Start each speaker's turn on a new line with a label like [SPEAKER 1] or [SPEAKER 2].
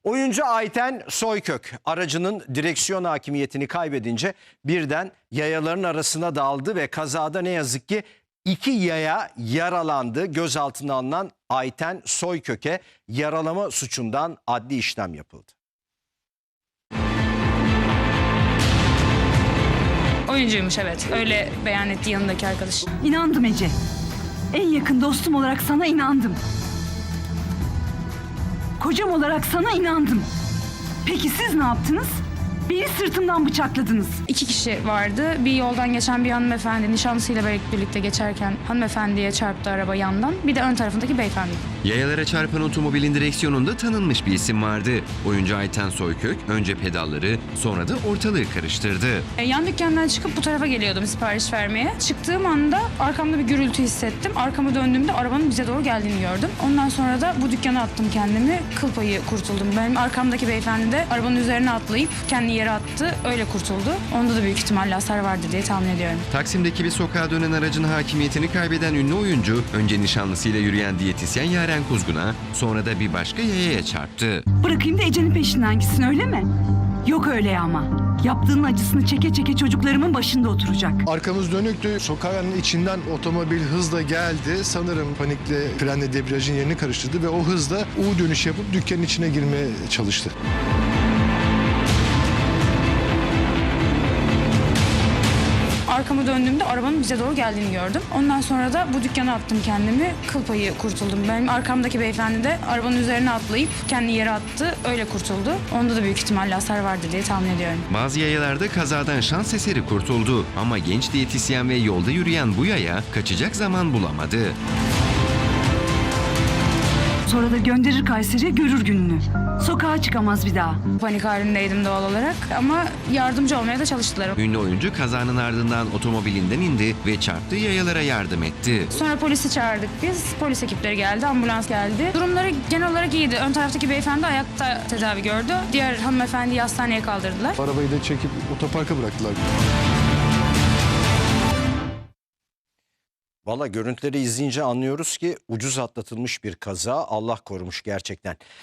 [SPEAKER 1] Oyuncu Ayten Soykök aracının direksiyon hakimiyetini kaybedince birden yayaların arasına daldı ve kazada ne yazık ki 2 yaya yaralandı. Gözaltına alınan Ayten Soykök'e yaralama suçundan adli işlem yapıldı.
[SPEAKER 2] Oyuncuymuş, evet. Öyle beyan etti yanındaki arkadaş.
[SPEAKER 3] İnandım Ece. En yakın dostum olarak sana inandım. Kocam olarak sana inandım. Peki siz ne yaptınız? Beni sırtımdan bıçakladınız.
[SPEAKER 2] 2 kişi vardı. Bir yoldan geçen bir hanımefendi nişanlısıyla birlikte geçerken hanımefendiye çarptı araba yandan. Bir de ön tarafındaki beyefendi.
[SPEAKER 4] Yayalara çarpan otomobilin direksiyonunda tanınmış bir isim vardı. Oyuncu Ayten Soykök önce pedalları sonra da ortalığı karıştırdı.
[SPEAKER 2] Yan dükkandan çıkıp bu tarafa geliyordum sipariş vermeye. Çıktığım anda arkamda bir gürültü hissettim. Arkamı döndüğümde arabanın bize doğru geldiğini gördüm. Ondan sonra da bu dükkana attım kendimi. Kıl payı kurtuldum. Benim arkamdaki beyefendi de arabanın üzerine atlayıp kendini yere attı. Öyle kurtuldu. Onda da büyük ihtimalle hasar vardı diye tahmin ediyorum.
[SPEAKER 4] Taksim'deki bir sokağa dönen aracın hakimiyetini kaybeden ünlü oyuncu önce nişanlısıyla yürüyen diyetisyen Yaren Kuzgun'a sonra da bir başka yayaya çarptı.
[SPEAKER 3] Bırakayım da Ece'nin peşinden gitsin, öyle mi? Yok öyle ama. Yaptığının acısını çeke çeke çocuklarımın başında oturacak.
[SPEAKER 5] Arkamız dönüktü. Sokağın içinden otomobil hızla geldi. Sanırım panikle frenle debriyajın yerini karıştırdı ve o hızla U dönüş yapıp dükkanın içine girmeye çalıştı.
[SPEAKER 2] Arkamı döndüğümde arabanın bize doğru geldiğini gördüm. Ondan sonra da bu dükkana attım kendimi. Kıl payı kurtuldum. Benim arkamdaki beyefendi de arabanın üzerine atlayıp kendini yere attı. Öyle kurtuldu. Onda da büyük ihtimalle hasar vardı diye tahmin ediyorum.
[SPEAKER 4] Bazı yayalarda kazadan şans eseri kurtuldu ama genç diyetisyen ve yolda yürüyen bu yaya kaçacak zaman bulamadı.
[SPEAKER 3] Sonra da gönderir Kayseri'ye, görür gününü. Sokağa çıkamaz bir daha.
[SPEAKER 2] Panik halindeydim doğal olarak ama yardımcı olmaya da çalıştılar.
[SPEAKER 4] Ünlü oyuncu kazanın ardından otomobilinden indi ve çarptığı yayalara yardım etti.
[SPEAKER 2] Sonra polisi çağırdık biz. Polis ekipleri geldi, ambulans geldi. Durumları genel olarak iyiydi. Ön taraftaki beyefendi ayakta tedavi gördü. Diğer hanımefendiyi hastaneye kaldırdılar.
[SPEAKER 5] Arabayı da çekip otoparka bıraktılar.
[SPEAKER 1] Valla görüntüleri izleyince anlıyoruz ki ucuz atlatılmış bir kaza. Allah korumuş gerçekten.